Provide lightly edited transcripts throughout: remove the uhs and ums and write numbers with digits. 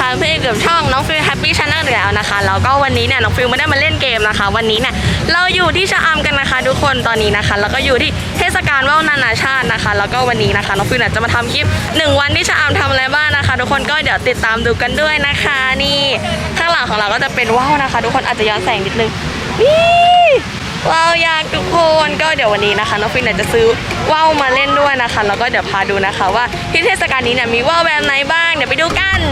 การเพื่อนกับช่องน้องฟิลแฮปปี้ชาแนลแล้วนะคะแล้วก็วันนี้เนี่ยน้องฟิลไม่ได้มาเล่นเกมนะคะวันนี้เนี่ยเราอยู่ที่ชะอำกันนะคะทุกคนตอนนี้นะคะแล้วก็อยู่ที่เทศกาลว่าวนานาชาตินะคะแล้วก็วันนี้นะคะน้องฟิลเนี่ยจะมาทำคลิป1 วันที่ชะอำทำอะไรบ้างนะคะทุกคนก็เดี๋ยวติดตามดูกันด้วยนะคะนี่ข้างหลังของเราก็จะเป็นว่าวนะคะทุกคนอาจจะย้อนแสงนิดนึงนี่ว้าวยากทุกคนก็เดี๋ยววันนี้นะคะน้องฟิลเนี่ยจะซื้อว่าวมาเล่นด้วยนะคะแล้วก็เดี๋ยวพาดูนะคะว่าที่เทศกาลนี้เนี่ยมีว่าวแบบไหนบ้างเดี๋ยวไปดูกัน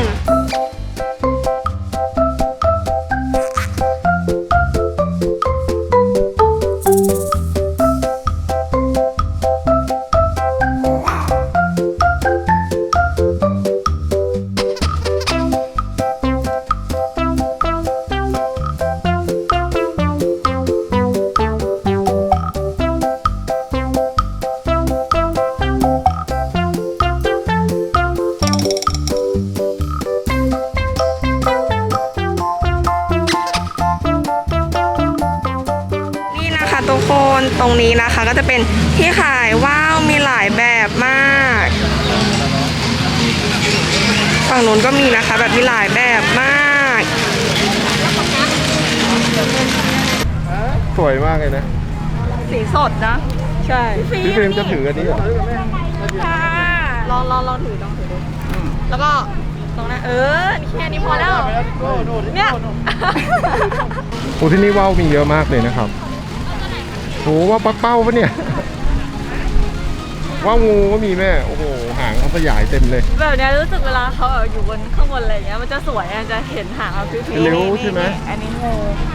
ทุกคนตรงนี้นะคะก็จะเป็นที่ขายว่าวมีหลายแบบมากฝั่งนู้นก็มีนะคะแบบมีหลายแบบมากสวยมากเลยนะสีสดนะใช่พี่ฟิล์มจะถืออันนี้เหรอค่ะลองถือดูแล้วก็ตรงนั้นแค่นี้พอแล้วเนี่ยโอ้ที่นี่ว่าวมีเยอะมากเลยนะครับโอ้ว่าปักเป้าปะเนี่ยว่างูก็มีแม่โอ้โหหางเขาขยายเต็มเลยแบบนี้รู้สึกเวลาเขาอยู่บนข้างบนอะไรเงี้ยมันจะสวยจะเห็นหางเขาพิ้วๆเร็วใช่ไหมอันนี้งู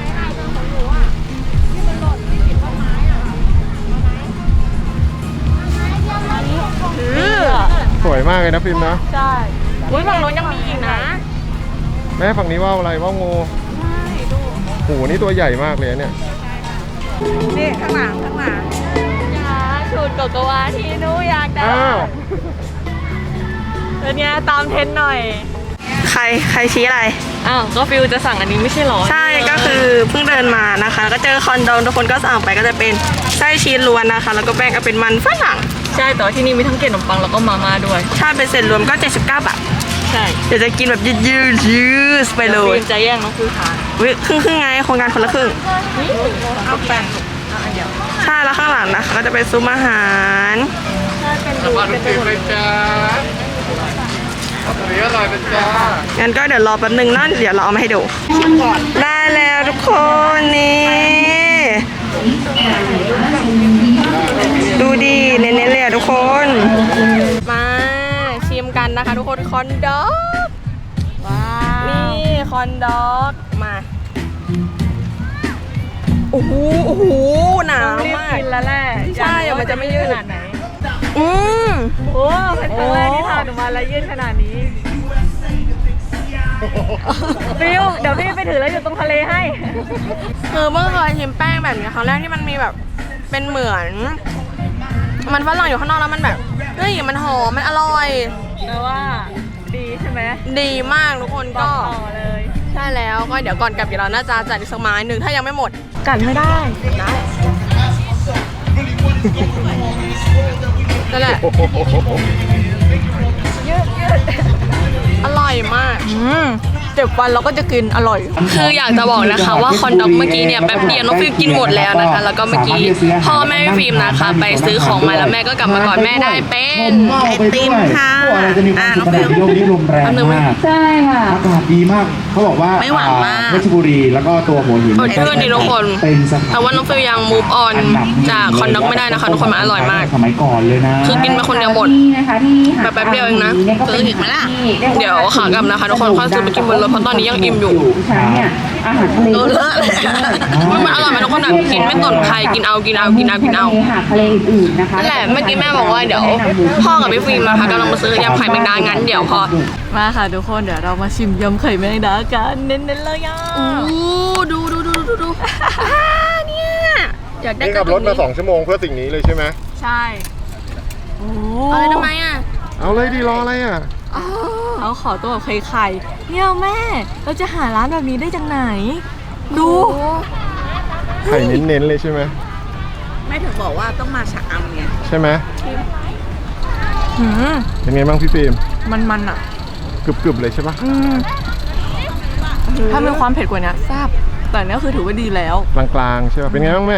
สวยมากเลยนะฟิล์มนะใช่อุ้ยฝั่งโน้นยังมีอีกนะแม่ฝั่งนี้ว่าวอะไรว่าวงูใช่ดูโอ้โหนี่ตัวใหญ่มากเลยเนี่ยนี่ข้างหลังอยากชุดโกโกวาที่หนูอยากได้เป็นไงตามเทรนหน่อยใครชี้อะไรก็ฟิวจะสั่งอันนี้ไม่ใช่หรอใช่ก็คือเพิ่งเดินมานะคะก็เจอคอนโดทุกคนก็สั่งไปก็จะเป็นไส้ชีสล้วนนะคะแล้วก็แป้งก็เป็นมันฝรั่งใช่แต่ที่นี่มีทั้งเกล็ดขนมปังแล้วก็มาม่าด้วยใช่เป็นเสร็จรวมก็79 บาทใช่เดี๋ยวจะกินแบบยืดไปเลยจะแย่งน้องฟิวทานครึ่งไงโครงการคนละครึ่งเอาแป้งใช่แล้วข้างหลังนะคะก็จะเป็นซุ้มอาหารใช่เป็นดูเป็นเลยจ้าอร่อยเป็นจ้างั้นก็เดี๋ยวรอแป๊บนึงนะเดี๋ยวเราเอามาให้ดูได้แล้วทุกคนนี่ดูดีเน้นๆเลยทุกคนมาชิมกันนะคะทุกคนคอนด็อกว้าวนี่คอนด็อกมาโอ้โหหนาวมากกินแล้วแหละใช่มันจะไม่ยืดขนาดไหนโอ้เป็นครั้งแรกที่ทานออกมาแล้วยืดขนาดนี้ฟิวเดี๋ยวพี่ไปถือแล้วอยู่ตรงทะเลให้คือเมื่อเคยชิมแป้งแบบนี้ครั้งแรกที่มันมีแบบเป็นเหมือนมันฝรั่งอยู่ข้างนอกแล้วมันแบบเฮ้ยมันหอมมันอร่อยแต่ว่าดีใช่ไหมดีมากทุกคนก็เลยใช่แล้วก็เดี๋ยวก่อนกลับเราน่าจะจัดอีกสักไม้หนึ่งถ้ายังไม่หมดกัดไม่ได้นั่นแหละยืดอร่อยมาก7 วันเราก็จะกินอร่อยคืออยากจะบอกนะคะว่าคอนด็อกเมื่อกี้เนี่ยแป๊บเดียวน้องฟิล์มกินหมดแล้วนะคะแล้วก็เมื่อกี้พ่อแม่ฟิล์มนะคะไปซื้อของมาแล้วแม่ก็กลับมาก่อนแม่ได้เป็นไอติมค่ะน้องฟิล์มโลกนี้ลมแรงมากใช่ค่ะอากาศดีมากเขาบอกว่าไม่หวานมากเพชรบุรีแล้วก็ตัวหัวหินเพื่อนดีทุกคนแต่ว่าน้องฟิล์มยังมูฟออนจากคอนด็อกไม่ได้นะคะทุกคนมันอร่อยมากสมัยก่อนเลยนะคือกินมาคนเดียวหมดแป๊บเดียวเองนะซื้ออีกไหมล่ะเดี๋ยวขากลับนะคะทุกคนค่อยซื้อไปกินบนรถเพราะตอนนี้ยังอิ่มอยู่อาหารทะเลเลอะเลยมันอร่อยไหมทุกคนแบบกินไม่สนใครกินเอาทะเลอื่นๆนะคะนั่นแหละเมื่อกี้แม่บอกว่าเดี๋ยวพ่อกับพี่ฟิล์มนะคะกำลังมาซื้อยำไข่แมงดางั้นเดี๋ยวพอมาค่ะทุกคนเดี๋ยวเรามาชิมยำไข่แมงดากันเน้นๆเลยอ่ะดูเนี่ยอยากได้ขับรถมา2 ชั่วโมงเพื่อสิ่งนี้เลยใช่ไหมใช่เอาเลยทำไมอ่ะเอาเลยดีรออะไรอ่ะเขาขอตัวแบบไข่เนี่ยแม่เราจะหาร้านแบบนี้ได้จากไหนดูไข่เน้นๆเลยใช่ไหมแม่ถึงบอกว่าต้องมาชะอำไงใช่ไหมเป็นไงบ้างพี่ฟิล์มมันอ่ะกรึบๆเลยใช่ปะถ้ามีความเผ็ดกว่านี้แซ่บแต่เนี้ยคือถือว่าดีแล้วกลางๆใช่ป่ะเป็นไงบ้างแม่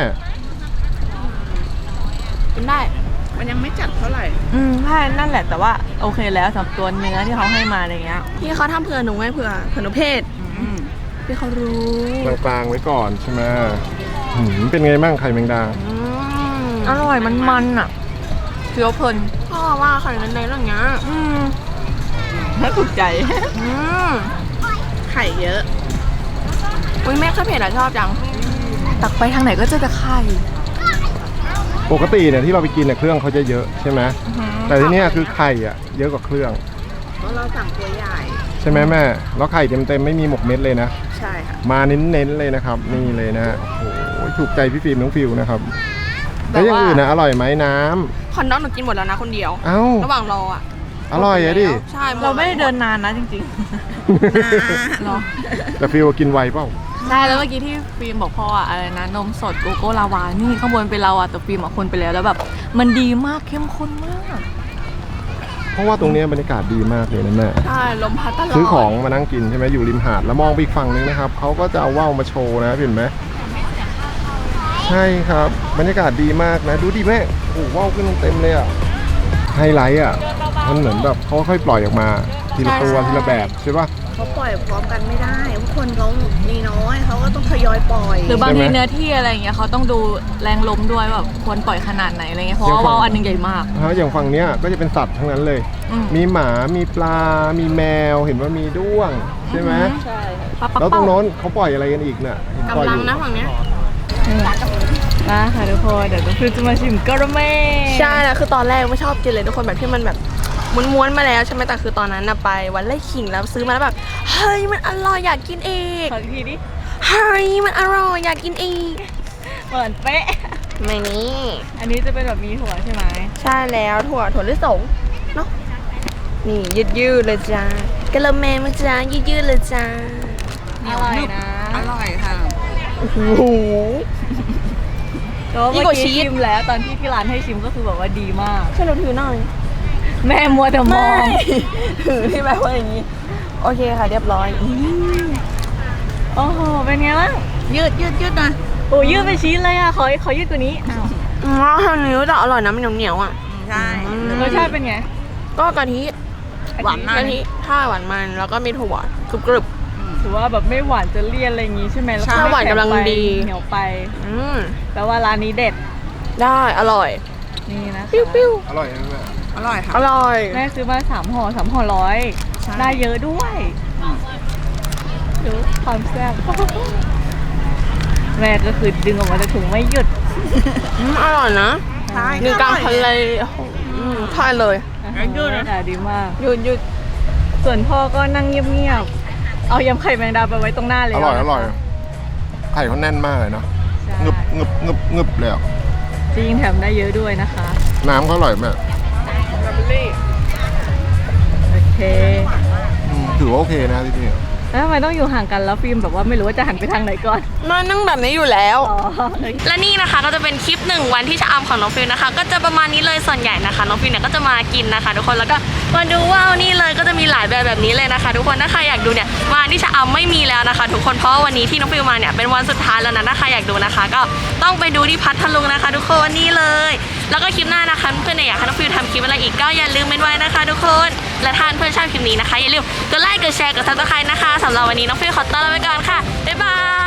กินได้มันยังไม่จัดเท่าไหร่ใช่นั่นแหละแต่ว่าโอเคแล้วสำหรับตัวเนื้อที่เขาให้มาอะไรเงี้ยพี่เขาทำเผื่อหนูไว้เผื่อหนูเผ็ดพี่เขารู้กลางๆไว้ก่อนใช่ไหมเป็นไงบ้างไข่แมงดาอร่อยมันอ่ะเคี้ยวเพลินพ่อว่าไข่ในๆอย่างเงี้ยน่าถูกใจไข่เยอะอุ้ยแม่ข้าวเผ็ดอะชอบจังตักไปทางไหนก็เจอแต่ไข่ปกติเนี่ยที่เราไปกินเนี่ยเครื่องเขาจะเยอะใช่ไหมแต่ที่เนี่ยคือไข่อ่ะเยอะกว่าเครื่องเพราะเราสั่งตัวใหญ่ใช่ไหมแม่แล้วไข่เต็มๆไม่มีหมกเม็ดเลยนะใช่ค่ะมาเน้นๆเลยนะครับนี่เลยนะฮะโอ้โหถูกใจพี่ฟิล์มน้องฟิวนะครับแล้วอย่างอื่นนะอร่อยไหมน้ำคอนดองหนูกินหมดแล้วนะคนเดียวเอ้าระหว่างรออ่ะอร่อยอะดิใช่เราไม่ได้เดินนานนะจริงๆรอแต่ฟิวกินไวเปล่าใช่แล้วเมื่อกี้ที่ฟิล์มบอกพ่ออะอะไรนะนมสดโกโก้ลาวานี่ข้างบนเป็นเราอะแต่ฟิล์มอะคนไปแล้วแล้วแบบมันดีมากเข้มข้นมากเพราะว่าตรงเนี้ยบรรยากาศดีมากเลยนะแม่ใช่ลมพัดตลอดซื้อของมานั่งกินใช่ไหมอยู่ริมหาดแล้วมองไปอีกฝั่งนึงนะครับเขาก็จะเอาว่าวมาโชว์นะเห็นไหมใช่ครับบรรยากาศดีมากนะดูดิแม่โอ้โหว่าวขึ้นเต็มเลยอ่ะไฮไลท์อ่ะมันเหมือนแบบเขาค่อยปล่อยออกมาทีละตัวทีละแบบใช่ปะเขาปล่อยพร้อมกันไม่ได้เพราะคนเขามีน้อยเขาก็ต้องทยอยปล่อยหรือบางใช่ทีไหมเนื้อที่อะไรอย่างเงี้ยเขาต้องดูแรงลมด้วยแบบควรปล่อยขนาดไหนอะไรเงี้ยเพราะว่าว่าวอันหนึงใหญ่มากอย่างฝั่งเนี้ยก็จะเป็นสัตว์ทั้งนั้นเลย มีหมามีปลา มีแมวเห็นว่ามีด้วงใช่ไหมใช่แล้วตรงโน้นเขาปล่อยอะไรกันอีกเนี่ยเห็นปล่อยกำลัอง ยู่นะฝั่งเนี้ยมาค่ะทุกคนเดี๋ยวน้องฟิวจะมาชิมกระเม่ใช่แล้วคือตอนแรกไม่ชอบกินเลยทุกคนแบบที่มันแบบม้วนๆมาแล้วใช่ไหมแต่คือตอนนั้นน่ะไปวันไร่ขิงแล้วซื้อมาแล้วแบบเฮ้ยมันอร่อยอยากกินอีกขออีกทีดิเฮ้ยมันอร่อยอยากกินอีกเหมือนเป๊ะไม่นี่อันนี้จะเป็นแบบมีถั่วใช่ไหมใช่แล้วถั่วลิสงเนาะนี่ยืดๆเลยจ้ากระเม่มาจ้ายืดๆเลยจ้าอร่อยนะ อร่อยค่ะโอ้โหก็เมื่ยิ่องกว่ากี้ชีสชิมแล้วตอนที่ที่ร้านให้ชิมก็คือแบบว่าดีมากช่วยเราถือหน่อยแม่มัวแต่มองถือที่แบบว่าอย่างนี้ โอเคค่ะเรียบร้อยโอ้โห เป็นไงบ้างยืดหน่อยโอ้ยืดเป็นชิ้นเลยอ่ะ ขอยืดกว่านี้อ้าวทางนี้แต่อร่อยนะมันเหนียวๆอ่ะใช่รสชาติเป็นไงก็กะทิหวานมากกะทิใช่หวานมันแล้วก็มีถั่วกรึบถือว่าแบบไม่หวานจะเลี่ยนอะไรอย่างงี้ใช่ไหมแล้วก็ใช่ไม่หวานกำลังแข็ไปดีเหนียวไปๆแปลว่าร้านนี้เด็ดได้อร่อยนี่นะคะปิ้วอร่อยไหมแม่อร่อยค่ะอร่อยแม่ซื้อมา3 ห่อ3 ห่อ100ได้เยอะด้วยดูความแซ่บแม่ก็คือดึงออกมาจากถุงไม่หยุดอร่อยนะใช่หนึ่งกลางทะเลใช่เลยยืดนะดีมากยืดส่วนพ่อก็นั่งเงียบๆ เอายำไข่แมงดาไปไว้ตรงหน้าเลยอร่อยไข่เขาแน่นมากเลยเนาะใช่งึบเลยอ่ะจริงแถมได้เยอะด้วยนะคะน้ำเขาอร่อยแม่โอเคถือว่าโอเคนะที่นี่แล้วทำไมต้องอยู่ห่างกันแล้วฟิล์มแบบว่าไม่รู้ว่าจะหันไปทางไหนก่อนมานั่งแบบนี้อยู่แล้วอ๋อและนี่นะคะก็จะเป็นคลิป1 วันที่ชะอำของน้องฟิลนะคะ ก็จะประมาณนี้เลยส่วนใหญ่นะคะน้องฟิลเนี่ยก็จะมากินนะคะ ทุกคนแล้วก็มาดูว่าวนี่เลยก็จะมีหลายแบบนี้เลยนะคะ ทุกคนถ้าใครอยากดูเนี่ยมาที่ชะอำไม่มีแล้วนะคะ ทุกคนเพราะว่าวันนี้ที่น้องฟิลมาเนี่ยเป็นวันสุดท้ายแล้วนะถ้าใครอยากดูนะคะ ก็ต้องไปดูที่พัทลุงนะคะ ทุกคนนี่เลย แล้วก็คลิปหน้านะคะเพื่อนๆเนี่ยอยากให้น้องฟิลทำคลิปอะไรอีกก็อย่าลืมเป็นไว้นะคะ ทุกคนและถ้าเพื่อนชอบคลิปนี้นะคะอย่าลืมกดไลค์กดแชร์กดซับสไครต์นะคะสำหรับวันนี้น้องฟิลขอตัวลาไปก่อนค่ะบ๊ายบาย